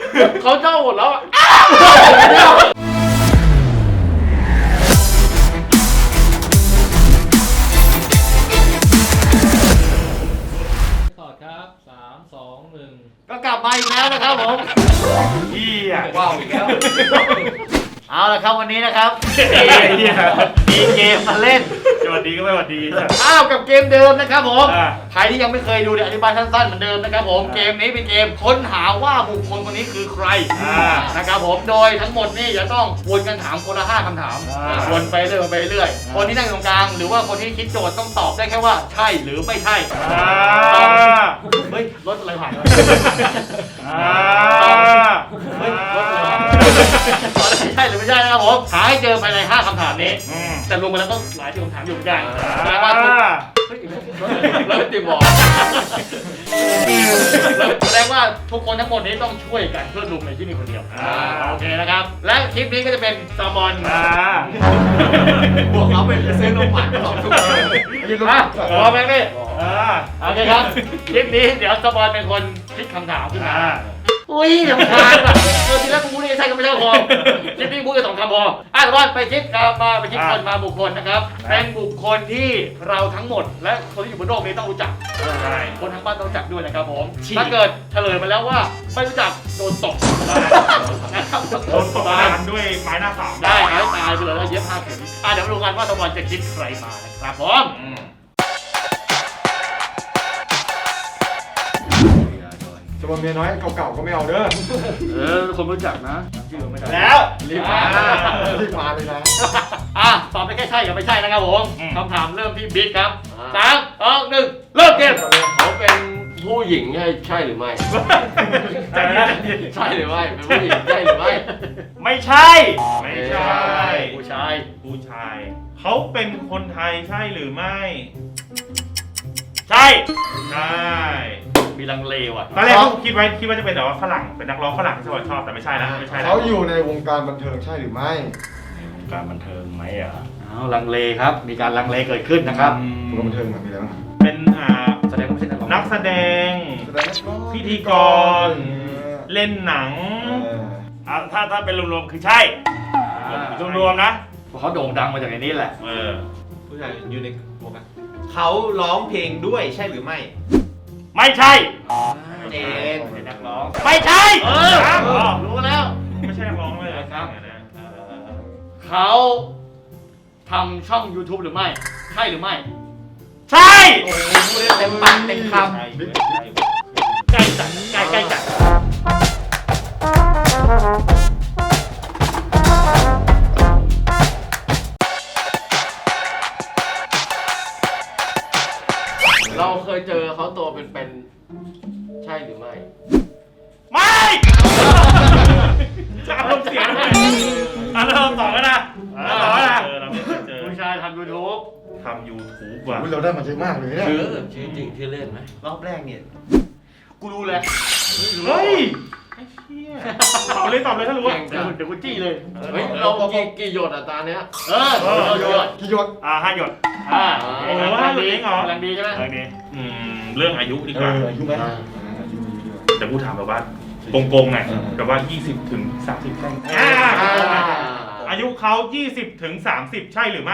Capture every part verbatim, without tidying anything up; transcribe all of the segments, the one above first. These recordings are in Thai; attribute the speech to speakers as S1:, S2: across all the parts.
S1: เขาเจ้าหมดแล้วอ่ะ
S2: ต่อครับสามสองหนึ่ง
S1: ก็กลับมาอีกแล้วนะครับผม
S3: เฮีย
S1: ว้าวอีกแล้วเอาละครับวันนี้นะครับมีเกมมาเล่น
S3: สวัสดีก็ไม่สวัสดี
S1: อ้าวกับเกมเดิมนะครับผม
S3: อ่า
S1: ใครที่ยังไม่เคยดูเดี๋ยวอธิบายสั้นๆเหมือนเดิมนะครับผม
S3: อ่า
S1: เกมนี้เป็นเกมค้นหาว่าบุคคลคนนี้คือใคร
S3: อ่า
S1: นะครับผมโดยทั้งหมดนี่จะต้องวนกันถามคนละห้าคำถาม
S3: อ่า
S1: วนไปเรื่อยวนไปเรื่อย
S3: อ่า
S1: คนที่นั่งอยู่ตรงกลางหรือว่าคนที่คิดโจทย์ต้องตอบได้แค่ว่าใช่หรือไม่ใช่
S3: อ่า
S1: เฮ้ยรถอะไรผ่านวะ
S3: อ่า
S1: เฮ้ยรถอะไรผ่านตอบได้ใช่หรือไม่ใช่นะครับผมหาให้เจอภายในห้าคำถามนี้
S3: อืม
S1: แต่รวมไปแล้วต้องหลายที่คำถามอยู่เหมือนกันแปล
S3: อ่า
S1: ว่าทุกเฮ้ยรถติดบอกแสดงว่าทุกคนทั้งหมดนี้ต้องช่วยกันเพื่อลุมในที่มีคนเดียวโอเคนะครับและคลิปนี้ก็จะเป็นซามอน
S3: อ่า
S1: บวกเขาเป็นเซนโนมันสองทุกคนอ่ะพร้อมไหมพี่
S3: อ่า
S1: โอเคครับคลิปนี้เดี๋ยวซามอนเป็นคนคิดคำถามขึ้นมา
S3: อ่า
S1: อุ้ยสำคัญอ่ะเออทีแรกกูพูดได้ใช่ก็ไม่ใช่พอคลิปนี้พูดแค่สองคำพออ่ะซามอนไปคิดกับมาไปคิดคนมาบุคคลนะครับเป็นบุคคลที่เราทั้งหมดและคนที่อยู่บนโลกนี้ต้องรู้จัก
S3: ใช่
S1: คนทั้งบ้านต้องรู้จักด้วยนะครับผมถ้าเกิดเฉลยมาแล้วว่าไม่รู้จักโดนตบนะครับ
S3: โดนตบทานด้วยไม้หน้าสาม
S1: ได้ให้ตายไปเลยแล้วเย็บผ้าเข็มอ่ะเดี๋ยวมาดูกันว่าตะวันจะคิดใครมานะครับผม
S3: อืม
S4: จะมาเมียน้อยเก่าๆก็ไม่เอาเด้อ
S1: เออคนรู้จักนะชื่อไม่ได้
S3: แล้ว
S1: รีบมา
S4: รีบมาเลยนะ
S1: อ่ะตอบไปแค่ใช่กับไม่ใช่นะครับผม
S3: อืม
S1: คำถามเริ่มที่บิ๊กครับสามสองหนึ่งเริ่มเกม
S2: เขาเป็นผู้หญิงใช่ใช่หรือไม่
S3: ใจเย็น
S2: ใช่หรือไม่เป็นผู้หญิงใช่หรือไม่
S3: ไม่ใช่ ไม่ใช่
S1: ผู้ชาย
S3: ผู้ชาย เขาเป็นคนไทยใช่หรือไม่ ใช่ ใช่
S1: มีลังเลว่ะ
S3: ตอนแรกเขาคิดไว้คิดว่าจะเป็นแบบว่าฝรั่งเป็นนักร้องฝรั่งที่ชอบชอบแต่ไม่ใช่นะไม่ใช่นะ
S4: เขาอยู่ในวงการบันเทิงใช่หรือไม่
S3: การบันเทิงไหมอ่ะ
S1: เอาลังเลครับ มีการลังเลเกิดขึ้นนะครับ
S4: วงการบันเทิงอะมีอะไรบ้าง
S3: เป็นอ่า
S1: แสดงว่าไม่ใช่นักร้อง
S3: นักแสดง
S4: แสดงนักร้อง
S3: พิธีกร เล่นหนัง
S4: เออ
S3: อ่ะถ้าถ้าเป็นรวมๆคือใช่
S1: อ่าร
S3: วมๆนะ
S1: เพราะเขาโด่งดังมาจากในนี้แหละ
S3: เออ
S5: ผู้ชายอยู่ในวงการเขาร้องเพลงด้วยใช่หรือไม่
S3: ไม่ใช่
S5: เจน
S1: เป็นนักร้อง
S3: ไม่ใช่
S1: เออ
S3: ครับ
S1: รู้แล้ว
S3: ไม่ใช่นักร้องเลย
S1: ครับ
S3: เออ
S1: เขาทำช่อง YouTube หรือไม่ ใช่หรือไม่
S3: ใช่
S1: โอ้โหพูดได้เต็มปากเต็มค
S3: ใช่
S1: ำใกล้จัดใกล้ใกล้จัด
S2: เราเคยเจอเขาตัวเป็นๆใช่หรือไม่
S3: ไม่จะอารมณ์เสียไหมอารมณ์ต่อกันนะต่อกันนะเออเราไม่เคยเจอ
S1: ผู้ชายทำ YouTube
S3: ทำ YouTube ว่ะ
S4: อุ๊ยเราได้มาเยอะมากเลยเนี่ย
S2: ชื่อชื่อจริงชื่อเล่นไหม
S5: รอบแรกเนี่ย
S1: กูรู้แล้ว
S3: เฮ้ยไอ้เหี้ยตอบเลยตอบเลยถ้ารู้ว่า
S1: เดี๋ยวกูเดี๋ยวกูจี้เลย
S2: เฮ้ยเรากี่กี่หยดอ่ะตาเนี้ย
S1: เออเออเยอะ
S4: กี่หยด
S3: อ่าห้าหยด
S1: อ่า
S3: โอ้โหห้าหยดเองเหรอ
S1: กำลังดีใช่ไหม
S3: เรื่องนี้อืมเรื่องอายุดีก
S4: เอ
S3: ว่า
S4: ออายุไหม
S2: อ่า
S4: อ่าอายุมีอายุด้วย
S3: แต่กูถามแบบว่าโกงๆหน่อย
S4: เออ
S3: แบบว่า ยี่สิบถึงสามสิบใช่
S2: อ่า
S3: อายุเขายี่สิบถึงสามสิบใช่หรือไม่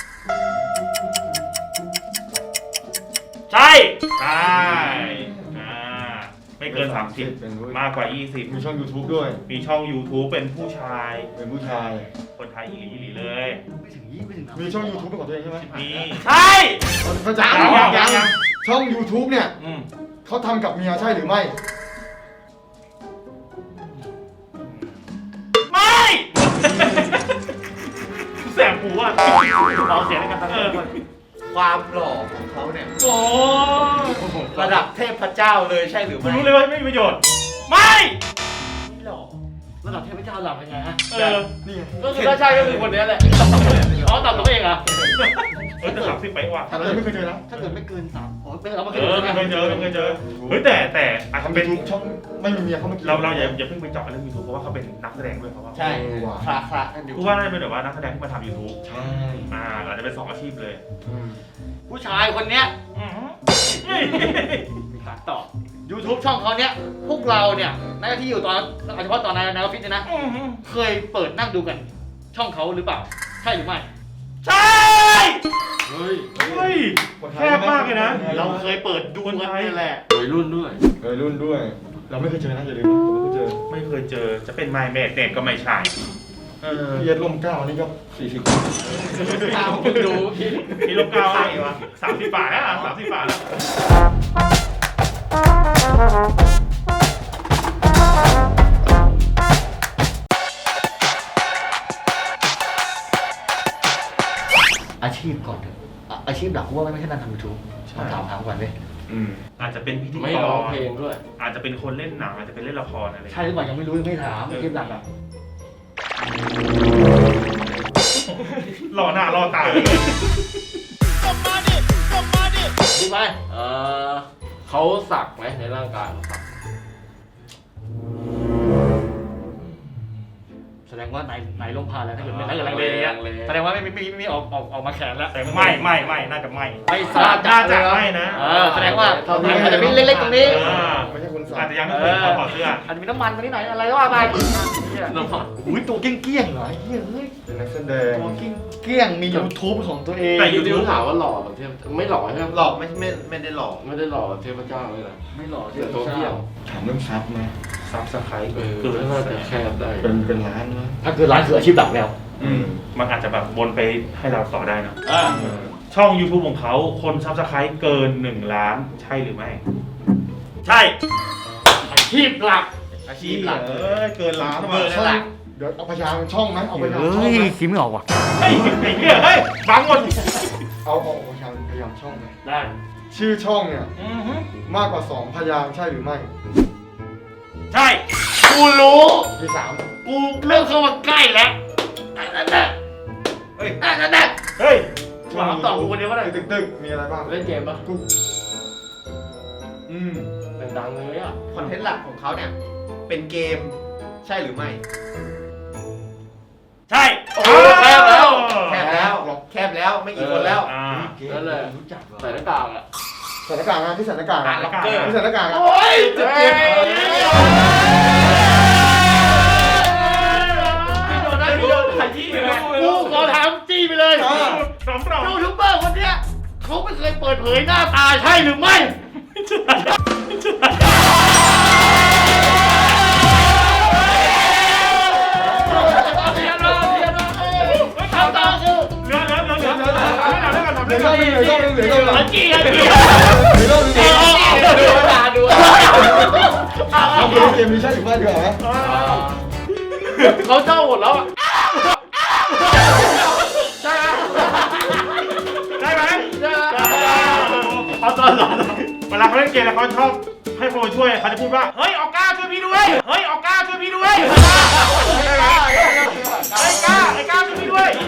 S3: ใช่ ใช่อ่าไม่เกินสามสิบ
S4: เป็นผู้
S3: มากกว่ายี่สิบ
S4: มีช่อง YouTube ด้วย
S3: มีช่อง YouTube เป็นผู้ชาย
S4: เป็นผู้ชาย
S3: คนไทยอีหลีอีหลีเลย
S1: ไม่ถึงยี่ไม่ถึง
S4: มีช่อง YouTube เป็นของตัวเองใช่ไหม
S3: มีใช่
S4: เขาจะ
S3: ยังยังยังยัง
S4: ช่อง YouTube เนี่ย
S3: อืม
S4: เขาทำกับเมียใช่หรือไม่
S3: ไม่แสบหูอ่ะ
S1: เราเสียในการตั้ง
S3: เอ
S1: เงิ
S3: อน
S5: ความหล่อของเขาเนี่ย
S3: โอ้
S5: ระดับเทพเจ้าเลยใช่หรือ
S3: คุณ
S5: ไม่
S3: รู้เลยว่าไม่มีประโยชน์ ไม่
S1: ไม่หรอกระดับเทพเจ้าหลับยังไงฮะ
S3: เออ
S4: นี่ไง
S1: ก็คือถ้าใช่ก็คือคนนี้แหละอ๋อตอบตัวเองเหรอ
S3: เออจะสามสิบไปว่ะ
S4: แต่เรายังไม่เคยเจอนะ
S1: ถ้าเกิดไม่เกินสามอ๋อไม่เราไม่เค
S3: เอย อ
S1: ใช่ไหม
S3: ไม่เคยเจอไม่เคยเจอ เฮ้ยแต่แต่อาจจะ
S4: ทำ
S3: เป็
S4: เป็น นช่องไม่มีเมียเขามากิน
S3: เราเราอย่าอย่าเพิ่งไปเจาะเรื่องยูทูบเพราะว่าเขาเป็นนักแสดงด้วยเพราะว่า
S5: ใช่
S4: เออว่ะ
S5: คลาคลากันอยู่
S3: กูว่าน่าจะเป็นแบบว่านักแสดงที่มาทำยูทูบ
S4: ใช่
S3: อ่าอาจจะเป็นสองอาชีพเลย
S4: อืม
S1: ผู้ชายคนเนี้ย
S3: อืม
S1: มีขาตอบ YouTube ช่องเขาเนี้ยพวกเราเนี่ยในที่อยู่ตอนเฉพาะตอนในในออฟฟิศเนี่ยนะเคยเปิดนั่งดูกันช่องเขาหรือเปล่าใช่หรือไม่
S3: ใช่
S2: เฮ้ย
S3: เฮ้ยแคบมากเลยนะ
S1: เราเคยเปิดดูกันนี่แหละ
S2: วัยรุ่นด้วย
S4: เคยรุ่นด้วย เราไม่เคยเจอนะอย่าลืมผมไม่เคยเจอ
S3: ไม่เคยเจอจะเป็นไมเมดเน็ตก็ไม่ใช่เออ
S4: พี่เอ็ดร่มเกล้านี่ก็สี่สิบ
S2: ข้าวคุณดูพี่
S3: มีลูกเก้าอะไรวะสามสิบบาทแล้วอ่ะสามสิบบาทแล้ว
S1: อาชีพก่อนเถอะอ่ะอาชีพหลักกูว่าไม่ใช่การทำยูทูบมาถามถามก่อนเลย
S3: อืมอาจจะเป็นพิธี
S2: ไม่
S3: ก
S2: ร้อง
S3: ร
S2: เพลงด้วย
S3: อาจจะเป็นคนเล่นหนังอาจจะเป็นเล่นละครอะไร
S1: ใช่หรือเปล่ายังไม่รู้ยังไม่ถามอาชีพหลักอ่ะ
S3: รอหน้ารอตา
S1: ดีไหม
S2: เออเขาสักไหมในร่างกายสัก
S1: แสดงว่าไหนไหนลมพานแล้วถ้าเกิดไม่ถ้าเกิดลังเลอย่างเงี้ยแสดงว่าไม่ไม่ไม่ไม่ออกออกออกมาแขนแล้ว
S3: แต่ไม่ไม่ไม่น่าจะไม่
S1: ไม่ทราบ
S3: น่าจะไม่นะ
S1: เออแสดงว่าอาจจะมีเล็กๆตรงนี้
S3: อ่า
S4: ไม่ใช่คนสั่
S3: อาจ
S4: ง
S3: จะยังไม่เคยถอดเสื้อ
S1: อาจจะมีน้ำมันตรงนี้หน่อยอะไรก็ว่าไป
S2: น้ำมัน
S1: อุ้ยตัวเกี้ยงๆเหรอไอ้เหี้ยเฮ้ย
S4: เป็นนักแสดง
S1: ตัวเกี้ยงๆมี YouTube ของตัวเอง
S3: แต่
S2: ยู
S3: YouTube
S2: ทูบถามว่าหล่อแบบเทพไม่หล่อใช่ไหม
S5: หลอกไม่ไม่ไม่ได้หลอก
S2: ไม่ได้หล่อแบบเทพเจ้าเลยนะ
S1: ไม่หล่อ
S2: เดี๋ยวโทรเที่ยว
S4: ถามเรื่องซับไหม
S3: ซับสไครต์
S2: เออ
S3: เกิน
S2: น่าจะแคบได้
S4: เป็นเป็นล้านนะ
S1: ถ้าคือร้านคืออาชีพหลักแล้ว
S3: อืมมันอาจจะแบบวนไปให้เราต่อได้เนอะ
S1: อ่า
S3: ช่อง YouTube ของเขาคนซับสไครต์เกินหนึ่งล้านใช่หรือไม่ ใช่
S1: อาชีพหลัก
S5: อาชีพหลัก
S3: เออเกินล้าน
S1: เบอร์นั่นแหละ
S4: เดี๋ยวเอาพยางค์ช่องไหมเอาพยางค์ช่อง
S1: เฮ้ย
S4: ไหม
S1: คิดไม่ออกว่ะ
S3: เฮ้ยไอ้เหี้ยเฮ้ยบังหมด
S4: เอาเอาพยางค์พยางค์ช่องไหม
S1: ได้
S4: ชื่อช่องเนี่ย
S3: อือฮึ
S4: มากกว่าสองพยางค์ใช่หรือไม่
S3: ใช่
S1: กูรู้
S4: ที่สาม
S1: กูเริ่มเข้ามาใกล้แล้วนั่นแหละ
S5: เฮ้ย
S1: นั่นแหละ
S3: เฮ้ย
S1: ถามต่อกูคนเดียวก็ได้
S4: ตึกตึกๆมีอะไรบ้าง
S2: เล่นเกมปะ
S4: กูอืม
S2: ดังๆเลยอ่ะ
S5: คอนเทนต์หลักของเขาเนี่ย เป็นเกมใช่หรือไม่
S3: ใช่
S1: โอ้แคบแล้ว
S5: แคบแล้ว แคบแล้วไม่กี่คนแล้ว
S3: อ่า
S2: นั่นแหละ
S1: รู้จักเหรอ
S2: ใส่หน้ากากอ่ะ
S4: ใส่หน้ากากนะที่ใส่หน้ากาก
S5: อ่า
S4: นะ
S5: ล็อกเกอร์
S4: ที่ใส่หน้ากากอะ
S1: โอ้ยเจ็บเจ็บกูขอถามจี้ไปเลย
S3: สองรอบ
S1: ยูทูบเบอร์คนเนี้ยเขาไม่เคยเปิดเผยหน้าตาใช่หรือไม่คำตอบคือ
S3: เหลือเหลือเหลือเหลือเหลือเหลือเหลือเหลือ
S4: เหลือรอบนึงเหลือรอบนึงเหลือรอบนึง
S1: หันจี้หันจี้
S4: เหลือรอบนึง
S2: ดูตาดู
S4: เราไปเกมนี้ใช่หรือไม่ดีกว่าไหม
S2: เขาเจ้าหมดแล้วอ่ะ
S1: ใช่ไหม
S3: ได้ไหม
S1: ใช่ไหม
S3: เขาตอนหลังเวลาเขาเล่นเกมแล้วเขาชอบให้คนช่วยเขาจะพูดว่าเฮ้ยออกก้าช่วยพี่ด้วยเฮ้ยออกก้าช่วยพี่ด้วยไอ้ก้าไอ้ก้าช่วยพี่ด้วย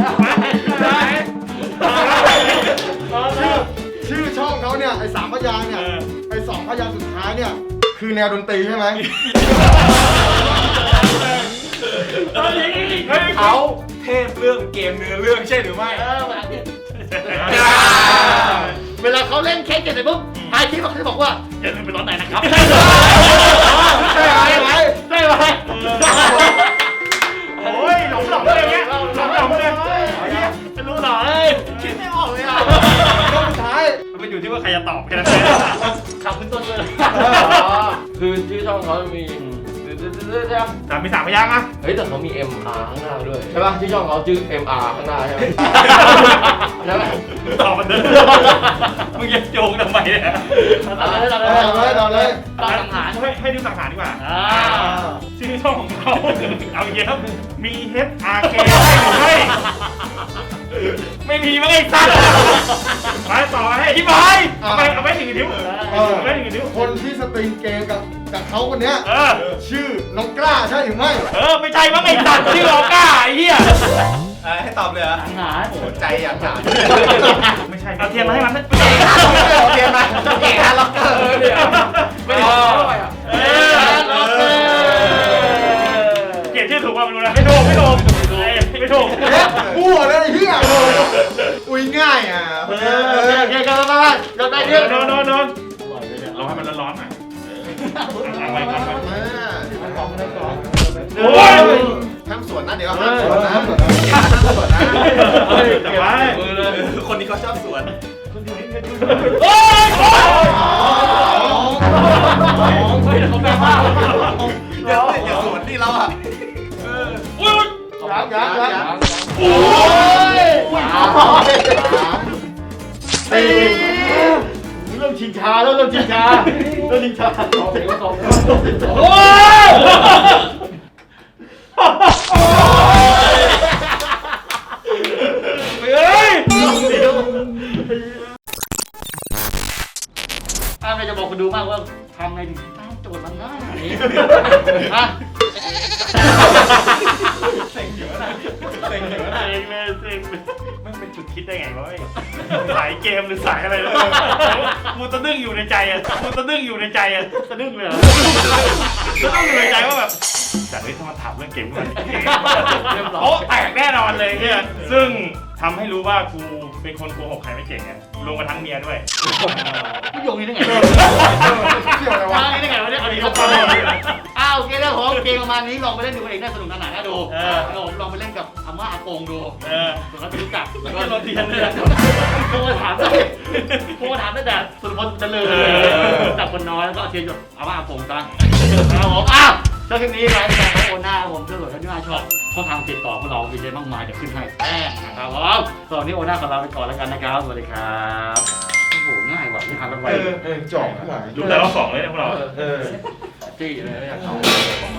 S4: ชื่อชื่อช่องเขาเนี่ยไอ้สามพยางค์เนี่ยไอ้สองพยางค์สุดท้ายเนี่ยคือแนวดนตรีใช่ไหม
S5: เขาเทพเรื่องเกมเนื้อเรื่องใช่หรือไม่
S1: เออแบบนี้เวลาเขาเล่นเค้กเสร็จปุ๊บทายคลิปเขาจะบอกว่าอย่าลืมไปร้อนไหนนะครับใช่ไหมใช่ไหมใช่ไหม
S3: โอ้ยหลงหลงเลยเงี้ยหลงหลงเลย
S1: ไม่รู้หรอเอ้ยคิดไม่ออกเลยอ่ะ
S4: ช่องสุดท้าย
S3: มันอยู่ที่ว่าใครจะตอบแค่นั้น
S1: ขับขึ้นต้นเลย
S2: คือชื่อช่องเขามีใช่ไหม
S3: แต่มีสามพยางค์อ่ะ
S2: เฮ้ยแต่เขามี เอ็ม อาร์ ข้างหน้าด้วยใช่ป่ะชื่อช่องเขาชื่อ เอ็ม อาร์ ข้างหน้าใช่ไหมใช่ไหม
S3: ตอบมันเดิมมึงจะโยงทำไมเนี่ย
S1: ต่อเลยต่อ
S4: เอาเลยเอาเลย
S1: ต่อสังหาร
S3: ให้ให้ดูสังหารดีกว่า
S1: อ่า
S3: ชื่อช่องของเขาเอาเยอะมี H R K ได้หรือไม่ไม่มีมั้งไอ้สัตว์ไปต่อให้อธิบายเอาไปเอาไปถึงนิ้ว
S4: เออ
S3: เอาไปถึงนิ้ว
S4: คนที่สตรีมเกมกับกับเขาคนเนี้ย
S3: เออ
S4: ชื่อน้องกล้าใช่หรือไม่
S3: เออไม่ใช่มั้งไอ้สัตว์ชื่อออก้าไอ้เหี้ย
S5: ให้ตอบเลยเหรอ
S1: สังหาร
S5: โอ้ใจอยากถาม
S3: ไม่ใช่เอาเทียนมาให้มัน
S5: โอเคไหมเก่งฮะล็อกเกอร์เนี่ย
S2: ไม่ได้ด้วยอ่ะ
S3: เออเขียนชื่อถูกป่ะไม่รู้นะไม่ถูกไม่ถูกไม่ถูก
S4: มั่วเลยไอ้เหี้ย
S5: อุ้ยง่ายอ่ะ
S1: โอเคโอเคกันแล้วกันกันได้เยอะ
S3: นอนนอนนอนเราให้มันร้อนๆหน่อยเอาไปเอาไป
S4: มามันของมันของ
S3: โอ้ย
S4: ห้ามสวนนะเดี๋ยวห้ามสวนนะห้ามสวนนะห้ามสวนนะ
S3: เฮ้ยจับไว้
S5: มือเลยคนนี้เขาชอบสวน
S3: โอ้ยโอ้ย
S1: เฮ้ยเขาแปลว่า
S5: เดี๋ยวอย่าสวนนี่เราอ่ะ
S3: โอ้ย
S4: ยังยังยัง
S3: โอ้ย
S1: ตีเริ่มชิงชาแล้วเริ่มชิงชาเริ่มชิงชา
S3: โอ้ยเฮ้ย
S1: อ่าไม่จะบอกคุณดูมากว่าทำไงถึงตั้งโจทย์มันง่ายนี้อ่ะ
S3: เซ็งอยู่นะเซ็งอยู่นะเซ็งเลยเซ็งมันเป็นจุดคิดได้ไงวะสายเกมหรือสายอะไรแล้วกูตะดึ้งอยู่ในใจอ่ะกูตะดึ้งอยู่ในใจอ่ะ
S1: สะดุ้งเลยเหรอ
S3: ตะดึ้งอยู่ในใจว่าแบบแต่เฮ้ยถ้ามาถามเรื่องเกมกันโอ้แตกแน่นอนเลยเนี่ยซึ่งทำให้รู้ว่ากูเป็นคนโกหกใครไม่เก่งไงรวมกระทั่งเมียด้วย
S1: ผู้โยงนี่ได้ไง
S4: เกี่ยวอะไรวะ
S1: มานี่ได้ไงวะเนี่ยอันนี้ก็พออ้าวโอเคแล้วผมเกมประมาณนี้ลองไปเล่นดูเองน่าสนุกสนานน่าดูผมลองไปเล่นกับอาม่าอากงดู
S3: เออ
S1: ส่วนเขาจะรู้จัก
S3: แล้วก็โรตีนเนี่ย
S1: โทรถามได้โทรถามได้แต่สุรพลเจริญจับคนน้อยแล้วก็เชียร์หยดอาม่าอากงซะครับผมอ้าวเจ้าคลิปนี้รายการของโอน่าผมเชื่อว่าท่านที่น่าชอบช่องทางติดต่อพวกเรามีเยอะมากมายเดี๋ยวขึ้นให้แป้งนะครับผมสำหรับวันนี้โอน่าขอลาไปก่อนแล้วกันนะครับสวัสดีครับโอ้โหง่ายว่ะที่หากันไป
S4: เออจอกทั้งหลาย
S3: ดูแต่รอบสองเลยนะพวกเรา
S5: เออ
S1: จี้เลยไม่อยากเข้า